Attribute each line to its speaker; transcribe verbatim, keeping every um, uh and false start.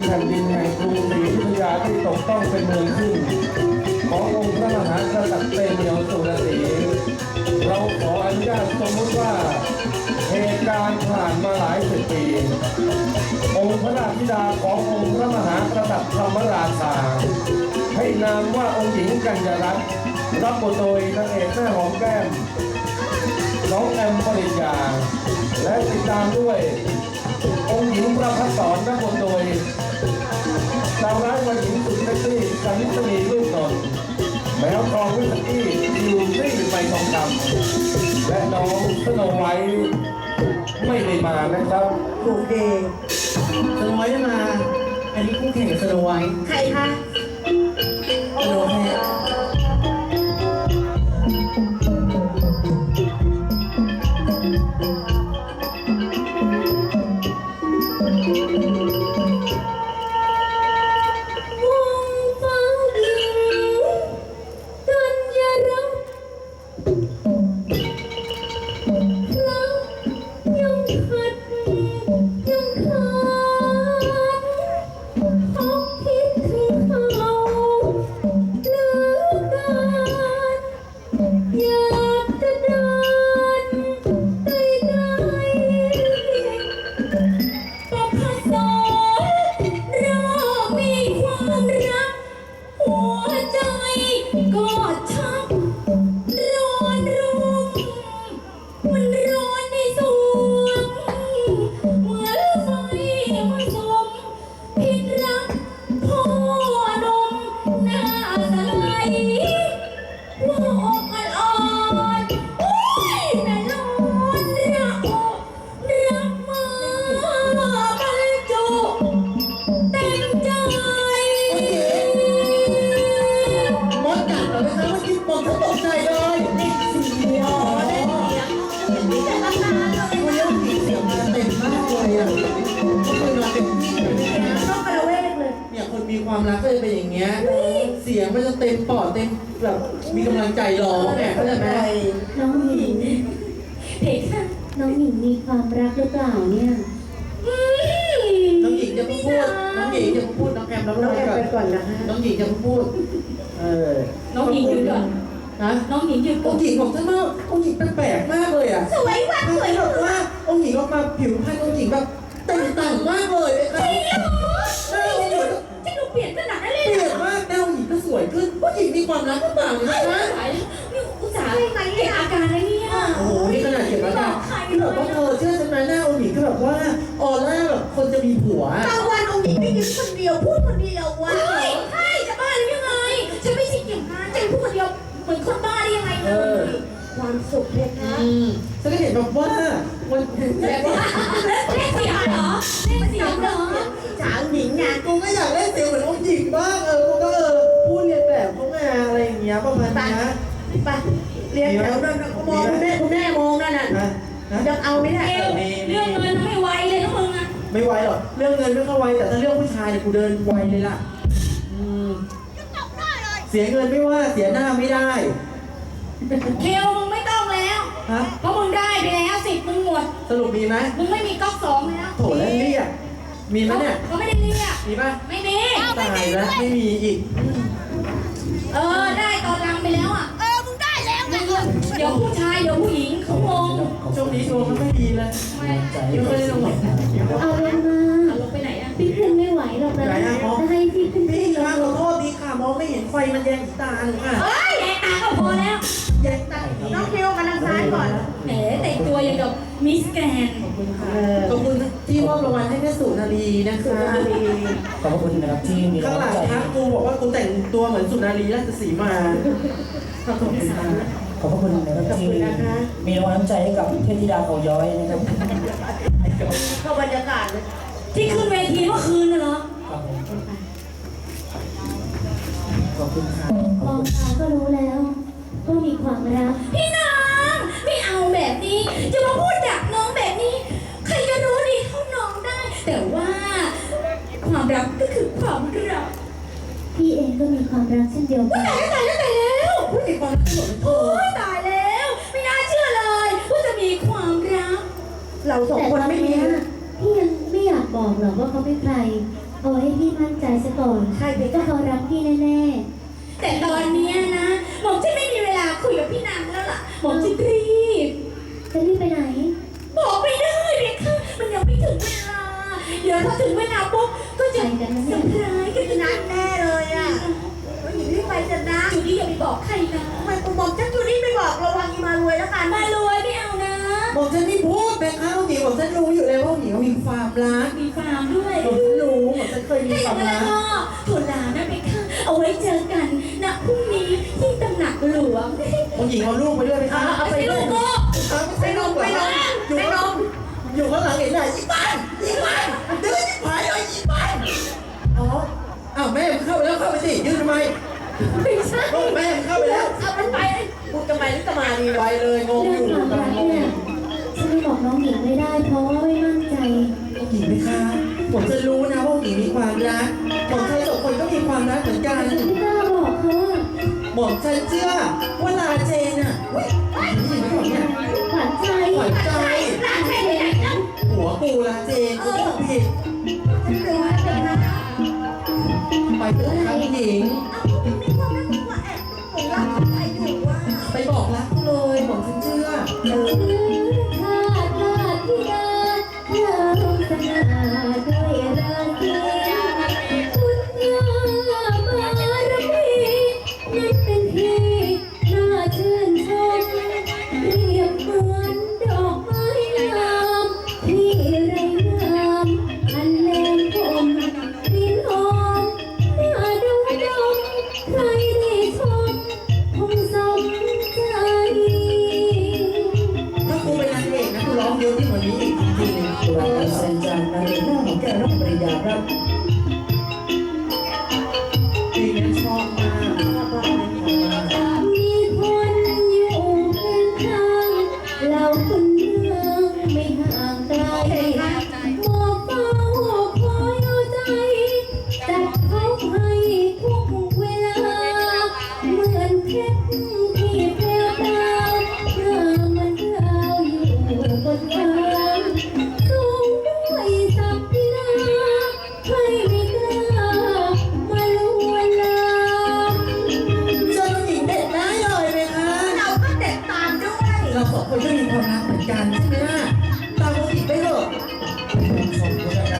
Speaker 1: ผ่นดินแห่งกรุงศรีอยุธยาที่ตกต้องเป็นเมืองขึ้นขององค์พระมหากษัตริย์เตมียวสุรศรีเราขออนุญาตสมมติว่าเหตุการณ์ผ่านมาหลายสิบปีองค์พระราชธิดาขององค์พระมหากษัตริย์ธรรมราชาให้นามว่าองค์หญิงกัญญารัตน์รับบทโดยนางเอกแม่หอมแก้มน้องแอมปริญญาและติดตามด้วยองค์หญิงประภัสสรรับบทโดยสาวร้ายวัยหญิงสุดเซ็กซี่กันิสนีลูกนนท์แมวทองวิสกี้ยูซี่ใบทองคำและน้องสโนไวท์ไม่ได้มานะครับ
Speaker 2: โอเคสโนไวท์มาอันนี้คู่แข่งกับสโนไวท์ใครคะสโนไวท์มีความรักก็จะเป็นอย่างเงี้ยเสียงมันจะเต็มปอดเต็มแบบมีกำลังใจร้องเนี่ยเข้าใจไหม
Speaker 3: น้องหญิงเด็กค่ะน้องหญิงมีความรักหรือเปล่าเนี่ย
Speaker 2: น้องหญิงจะพูดน้องหญิงจะพูดน้องแอมน้องแอมไปก่อนนะน้องหญิงจะพูดเออ
Speaker 3: น้องหญิงหยุดก่อน
Speaker 2: นะ
Speaker 3: น้องหญิงหยุด
Speaker 2: องค์หญิงของท่านว่าองค์หญิงแปลกๆมากเลยอ่ะ
Speaker 3: สวยมากสวย
Speaker 2: แบบว่าองค์หญิงออกมาผิวพรรณองค์หญิงแบบต่างๆมากเลยเลยค่ะ
Speaker 3: ใช่เหรอจะดูเปลี่ยนขนาดนั้นเลย
Speaker 2: เปลี่ยนมากแนวหญิงก็สวยขึ้นผู้หญิงมีความรักหรือเปล่าเนี่ยนะ
Speaker 3: นี่อุตส่าห์เก็บอาการนะเนี่ย
Speaker 2: โอ้โหนี่ขนาดเก็บอาการที่แบบว่าเธอเชื่อฉันไหมหน้าองค์หญิงก็แบบว่าออร่าแบบคนจะมีผัว
Speaker 3: บางวันองค์หญิงไม่ยิ้มคนเดียวพูดคนเดียววะใช่จะบ้าหรือยังไงฉันไม่ใช่เกี่ยวกับฉันพูดคนเดียวเหมือนคนบ้าได้ยังไงเลยความสุขเลยนะ
Speaker 2: ฉันก็เห็นแบบว่าวัน
Speaker 3: เล่นเล่นเสียงเหรอเล่นเสียงเหรอสาวหญิงไง
Speaker 2: กูก็อยากเล่นเสียงเหมือนองค์หญิงบ้างเออกูก็เออพูดเรียนแบบเขาไงอะไรอย่างเงี้ยประมาณนี้
Speaker 3: ไปเรียนแถวนั้นมองคุณแม่คุณแม่มองนั่นน่ะยังเอาไม่ได้เรื่องเงินไม่ไวเลยนะมึงอ่ะ
Speaker 2: ไม่ไวหรอกเรื่องเงินไม่เข้าไวแต่ถ้าเรื่องผู้ชายเนี่ยกูเดินไวเลยล่ะเสียเงินไม่ว่าเสียหน้าไม่ได้
Speaker 3: เคียวมึงไม่ต้องแล้วเพราะมึงได้ไปแล้วสิทธิ์มึงหมด
Speaker 2: สรุปมีไหม
Speaker 3: มึงไม่มีก๊อกสองแล้ว
Speaker 2: โถแล้วเรียกมีไหมเนี่ย
Speaker 3: เขาไม่ได้เรียก
Speaker 2: มีป่ะ
Speaker 3: ไม่มี
Speaker 2: ตายแล้วไม่มีอีก
Speaker 3: เออได้ตอนรังไปแล้วอ่ะ
Speaker 4: เออมึงได้แล้วไง
Speaker 3: เดี๋ยวผู้ชายเดี๋ยวผู้หญิงเขางง
Speaker 2: ช่วงนี้ดวงมันไม่ดีเลย
Speaker 3: ไม่
Speaker 2: ไม่ได้ลง
Speaker 3: เอาลงมาลงไปไหนอ่ะพี่ขึ้นไม่ไหวหรอกนะจะให้พี่ขึ้น
Speaker 2: พี่ค่ะขอโทษดีค่ะมองไม่เห็นไฟมันแยงตาหนูค่ะ
Speaker 3: เฮ้ยแยงตาก็พอแล้ว
Speaker 2: แยงตา
Speaker 3: น้องคิวมาทางซ้ายก่อนแหมแต่งตัวอย่างกับมิสแกรน
Speaker 2: ขอบคุณค่ะขอบคุณที่มอบรางวัลให้แม่สุนารีนะคะ
Speaker 1: ขอบคุณนะครับที่มี
Speaker 2: ข้างหลังทักกูบอกว่ากูแต่งตัวเหมือนสุนารีราชสีมาขอบคุณค่ะ
Speaker 1: ขอบคุณนะครับที่มีรางวัลน้ำใจให้กับเทพธิดาเขาย้อยนะครับ
Speaker 3: เข้าบรรยากาศเลยที่ขึ้นเวทีเมื่อคืนน่ะเหรอ
Speaker 1: ขอบคุณค่ะ
Speaker 3: มองตาก็รู้แล้วว่ามีความรักพี่น้องไม่เอาแบบนี้จะมาพูดดักน้องแบบนี้ใครจะรู้ดีเท่าน้องได้แต่ว่าความรักก็คือความรักพี่เองก็มีความรักเช่นเดียวกันตายแล้วตายแล้วตายแล้ว
Speaker 2: ผู้หญิงความรักเหมือน
Speaker 3: โอ้ยตายแล้วไม่น่าเชื่อเลยว่าจะมีความรัก
Speaker 2: เราสองคนไม่มี
Speaker 3: พี่ยังไม่อยากบอกหรอกว่าเขาเป็นใครเอาให้พี่
Speaker 4: อนใช่เพคะเขารักพี่แน่ๆ
Speaker 3: แต่ตอนเนี้ยนะหม่อมฉันไม่มีเวลาคุยกับพี่นางแล้วล่ะหม่อมฉันรีบ
Speaker 4: จะรีบไปไหน
Speaker 3: บอกไม่ได้เด็กค่ะมันยังไม่ถึงเวลา เดี๋ยวพอถึงเวลาปุ๊บก็จะ
Speaker 4: ไปกันนะ
Speaker 3: เซอร์ไพรส์กันนักแน่เลยอ่ะอยู่ที่ไปกันนะจูดี้อย่าไปบอกใครนะทำไมกูบอกฉันจูดี้ไม่บอกระวังอีมารวยแล้วกันมารวยไม่เอานะ
Speaker 2: บอกฉันไม่พูดแม่ข้าวหญิงบอกฉันรู้อยู่เลยว่าหญิงมีความรัก
Speaker 3: มีฟาร์มด้วย
Speaker 2: บอกฉันรู้บอกฉันเคยมี
Speaker 3: ถ้าอ
Speaker 2: ค
Speaker 3: ย่าว
Speaker 2: าง ม
Speaker 3: นั้น
Speaker 2: รั
Speaker 3: แล้ว
Speaker 2: ก
Speaker 3: ก็ถั่วลานะเบค่ะเอาไว้เจอกันนะพรุ่งนี้ที่ตำหนักหลวง
Speaker 2: องค์หญิงเอาลูกไปด้วยไหมคะ
Speaker 3: เอาไปลูกก็
Speaker 2: เอาไม่ใช่ลูกเหรออยู่ข้างหลังอยู่ข้างหลังเห็นไหมอีปันอีปันเดินที่ผายเลยอีปันอ๋ออ้าวแม่มันเข้าไปแล้วเข้าไปสิยืนทำไม
Speaker 3: ไม่ใช่
Speaker 2: โอ้แม่มันเข้าไปแล้ว
Speaker 3: เอามันไปพูดทำไมหรือจะมาดี
Speaker 2: ไปเลยงง
Speaker 4: เรื่
Speaker 2: อ
Speaker 4: อง
Speaker 2: ยู่
Speaker 4: ความรักเนี่ยฉันไม่บอกน้องหญิงไม่ได้เพราะว่าไม่มั่นใจ
Speaker 2: องค์หญิงไหมคะผมจะรู้นะว่าองค์หญิงมีความรักหม่อมชันสองคนก็มีความรักเหมือนกัน
Speaker 4: ฉันไม่กล้าบอกเขาอะ
Speaker 2: หม่อมชันเชื่อว่าลาเจนอ่ะอุ้ยหญิงไม่บอกเนี่ย
Speaker 4: หวานใจ
Speaker 2: ขวัญใจ
Speaker 3: ร้านใครไหนแล้ว
Speaker 2: หัวปูลาเจนกูพูดผิด
Speaker 3: ฉันรู้แล้วเบ